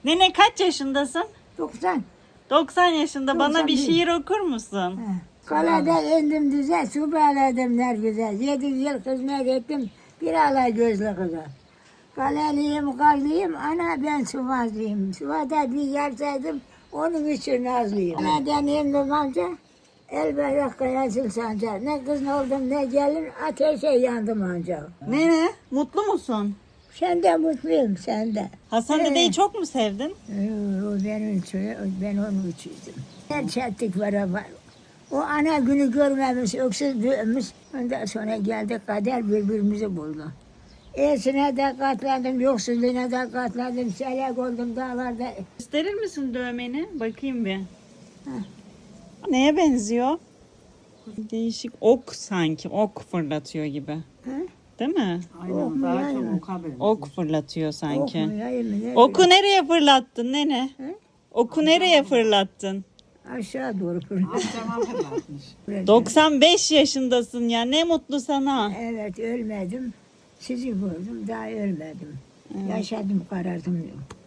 Nene kaç yaşındasın? 90. 90 yaşında. Bana bir 91. şiir okur musun? Kalede indim düze, su bağladım ne güzel. 7 yıl hizmet ettim, bir alay gözlü kıza. Kaleliyim, kallıyım, ana ben suvazlıyım. Suvada bir yerseydim, onun için nazlıyım. Kaleden indim amca, el bayrak kayasıl sancar. Ne kız oldum ne gelin, ateşe yandım ancak. Nene mutlu musun? Sen de mutluyum, sen de. Hasan dedeyi çok mu sevdin? O benim için, ben onun içiydim. Her çettik var. O ana günü görmemiş, öksüz büyümüş. Ondan sonra geldi kader birbirimizi buldu. İyisine de katlandım, yoksuzluğuna da katlandım. Selek oldum dağlarda. Gösterir misin dövmeni? Bakayım bir. Neye benziyor? Değişik ok sanki. Ok fırlatıyor gibi. Hı? Değil mi? Ok mu yayın? Ok fırlatıyor Ok sanki. mu yayın mı? Ne Oku nereye fırlattın nene? Hı? Oku nereye fırlattın? Aşağı doğru fırlattım. 95 yaşındasın ya. Ne mutlu sana. Evet ölmedim. Sizi gördüm daha ölmedim. Yaşadım karardım.